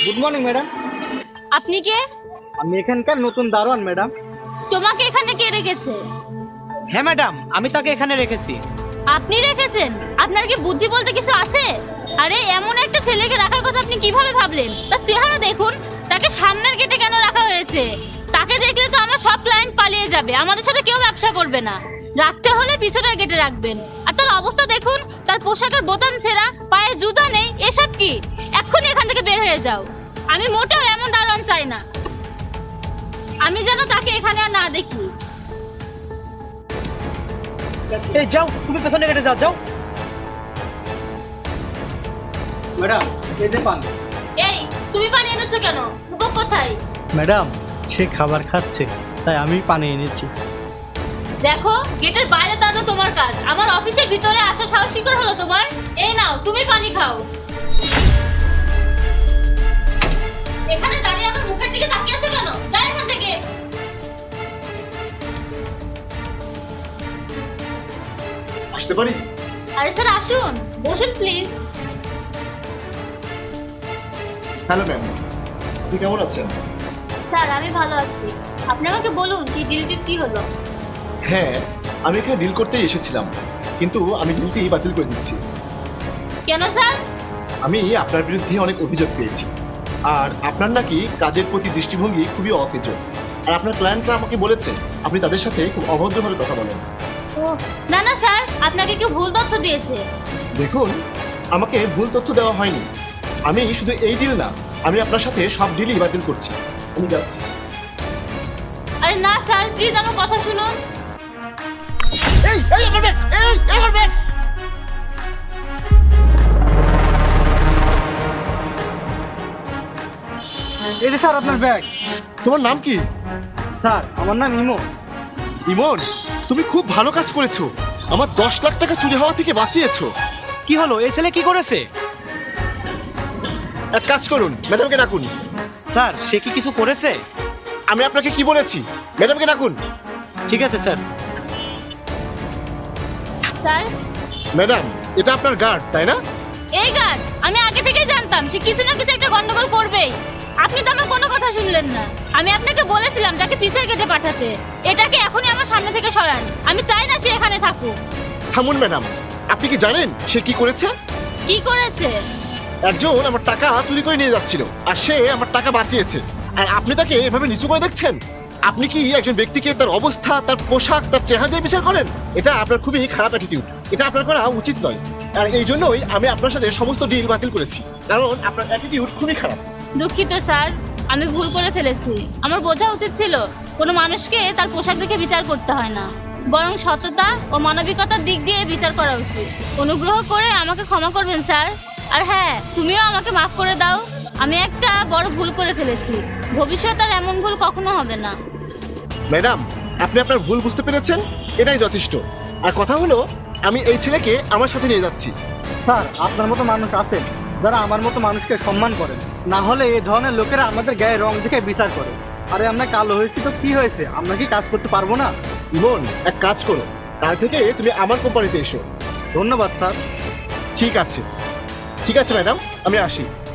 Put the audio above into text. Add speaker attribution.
Speaker 1: Good morning madam.
Speaker 2: আপনি কে?
Speaker 1: আমি এখানকার নতুন দারোয়ান ম্যাডাম।
Speaker 2: তোমাকে এখানে কে রেখেছে?
Speaker 3: হ্যাঁ ম্যাডাম, আমি তাকে এখানে রেখেছি।
Speaker 2: আপনি রেখেছেন? আপনার কি বুদ্ধি বলতে কিছু আছে? আরে এমন একটা ছেলেকে রাখার কথা আপনি কিভাবে ভাবলেন? তার চেহারা দেখুন, তাকে সামনের গেটে কেন রাখা হয়েছে? তাকে দেখলে তো আমার সব ক্লায়েন্ট পালিয়ে যাবে, আমাদের সাথে কেউ ব্যবসা করবে না। রাখতে হলে পিছনের গেটে রাখবেন। আর তার অবস্থা দেখুন, তার পোশাকের বোতাম ছেঁড়া, পায়ে জুতা নেই, এসব কি? এক্ষুনি এখান থেকে বের হয়ে যাও। আমি মোটেও এমন দারোয়ান চাই না। আমি যেন তাকে এখানে আর না দেখি।
Speaker 3: এই যাও, তুমি পেছনে গেটে যাও, যাও।
Speaker 1: ম্যাডাম এই যে পান।
Speaker 2: এই, তুমি পানি এনেছো কেন? রূপক কোথায়?
Speaker 1: ম্যাডাম সে খাবার খাচ্ছে, তাই আমি পানি এনেছি।
Speaker 2: দেখো, গেটের বাইরে দাঁড়ানো তোমার কাজ, আমার অফিসের ভিতরে আসা সাহস কি করে হলো তোমার? এই নাও, তুমি পানি খাও। এখানে দাঁড়িয়ে আমার মুখের দিকে তাকিয়ে আছো কেন? যাও এখান থেকে।
Speaker 4: আসতে পারি?
Speaker 2: আরে স্যার আসুন, বসুন প্লিজ।
Speaker 4: হ্যালো ম্যাম, আপনি কেমন আছেন?
Speaker 2: স্যার আমি ভালো আছি। আপনি আমাকে বলুন সেই ডিলটির কি হলো?
Speaker 4: হ্যাঁ, আমি এখানে ডিল করতেই এসেছিলাম, কিন্তু আমি ডিলটি বাতিল করে দিচ্ছি।
Speaker 2: কেন স্যার?
Speaker 4: আমি আপনার বিরুদ্ধে অনেক অভিযোগ পেয়েছি, আর আপনার নাকি কাজের প্রতি দৃষ্টিভঙ্গি খুবই অকেজ। আর আপনার ক্লায়েন্টরা আমাকে বলেছে আপনি তাদের সাথে খুব অভদ্রভাবে কথা বলেন।
Speaker 2: ও না না স্যার, আপনাকে কেউ ভুল তথ্য দিয়েছে।
Speaker 4: দেখুন, আমাকে ভুল তথ্য দেওয়া হয়নি। আমি শুধু এই ডিল না, আমি আপনার সাথে সব ডিলই বাতিল করছি। আমি যাচ্ছি।
Speaker 2: আরে না স্যার, প্লিজ আমার কথা শুনুন।
Speaker 4: এই এই আমার ব্যাগ, এই আমার ব্যাগ।
Speaker 1: এই যে স্যার আপনার ব্যাগ।
Speaker 4: তোমার নাম কি?
Speaker 1: স্যার আমার নাম ইমো।
Speaker 4: ইমন, তুমি খুব ভালো কাজ করেছো, আমার 10 লাখ টাকা চুরি হওয়া থেকে বাঁচিয়েছো।
Speaker 3: কি হলো, এই ছেলে কি করেছে?
Speaker 4: এক কাজ করুন, ম্যাডামকে ডাকুন।
Speaker 3: স্যার সে কি কিছু করেছে?
Speaker 4: আমি আপনাকে কি বলেছি, ম্যাডামকে ডাকুন।
Speaker 3: ঠিক আছে স্যার।
Speaker 2: স্যার,
Speaker 4: ম্যাডাম, এটা আপনার গার্ড তাই না?
Speaker 2: এই গার্ড, আমি আগে থেকেই জানতাম সে কিছু না কিছু একটা গন্ডগোল করবেই। আপনি তো আমার কোনো কথা শুনলেন না। আমি আপনাকে বলেছিলাম তাকে পিছের গেটে পাঠাতে। এটাকে এখনই আমার সামনে থেকে সরান। আমি চাই না সে এখানে থাকুক।
Speaker 4: থামুন ম্যাডাম, আপনি কি জানেন সে কি করেছে?
Speaker 2: কি করেছে?
Speaker 4: একজন আমার টাকা চুরি করে নিয়ে যাচ্ছিল, আর সে আমার টাকা বাঁচিয়েছে, আর আপনি তাকে এভাবে নিচু করে দেখছেন। আপনি কি একজন ব্যক্তিকে তার অবস্থা, তার পোশাক, তার চেহারা দিয়ে বিচার করেন? এটা আপনার খুবই খারাপ অ্যাটিটিউড, এটা আপনার করা উচিত নয়। আর এই জন্যই আমি আপনার সাথে সমস্ত ডিল বাতিল করেছি, কারণ আপনার অ্যাটিটিউড খুবই খারাপ।
Speaker 2: দুঃখিত স্যার, আমি ভুল করে ফেলেছি। আমার বোঝা উচিত ছিল কোনো মানুষকে তার পোশাক দেখে বিচার করতে হয় না, বরং সততা ও মানবিকতার দিক দিয়ে বিচার করা উচিত। অনুগ্রহ করে আমাকে ক্ষমা করবেন স্যার। আর হ্যাঁ, তুমিও আমাকে মাফ করে দাও। আমি একটা বড় ভুল করে ফেলেছি। ভবিষ্যতে আর এমন ভুল কখনো হবে না।
Speaker 4: ম্যাডাম, আপনি আপনার ভুল বুঝতে পেরেছেন, এটাই যথেষ্ট। আর কথা হলো, আমি এই ছেলেকে আমার সাথে নিয়ে যাচ্ছি।
Speaker 1: স্যার আপনার মতো মানুষ আছেন যারা আমার মতো মানুষকে সম্মান করেন, না হলে এই ধরনের লোকেরা আমাদের গায়ে রং দেখে বিচার করে। আরে আমরা কালো হয়েছি তো কি হয়েছে, আমরা কি কাজ করতে পারবো না?
Speaker 4: ইমন, এক কাজ করো, কাল থেকে তুমি আমার কোম্পানিতে এসো।
Speaker 1: ধন্যবাদ স্যার।
Speaker 4: ঠিক আছে, ঠিক আছে ম্যাডাম, আমি আসি।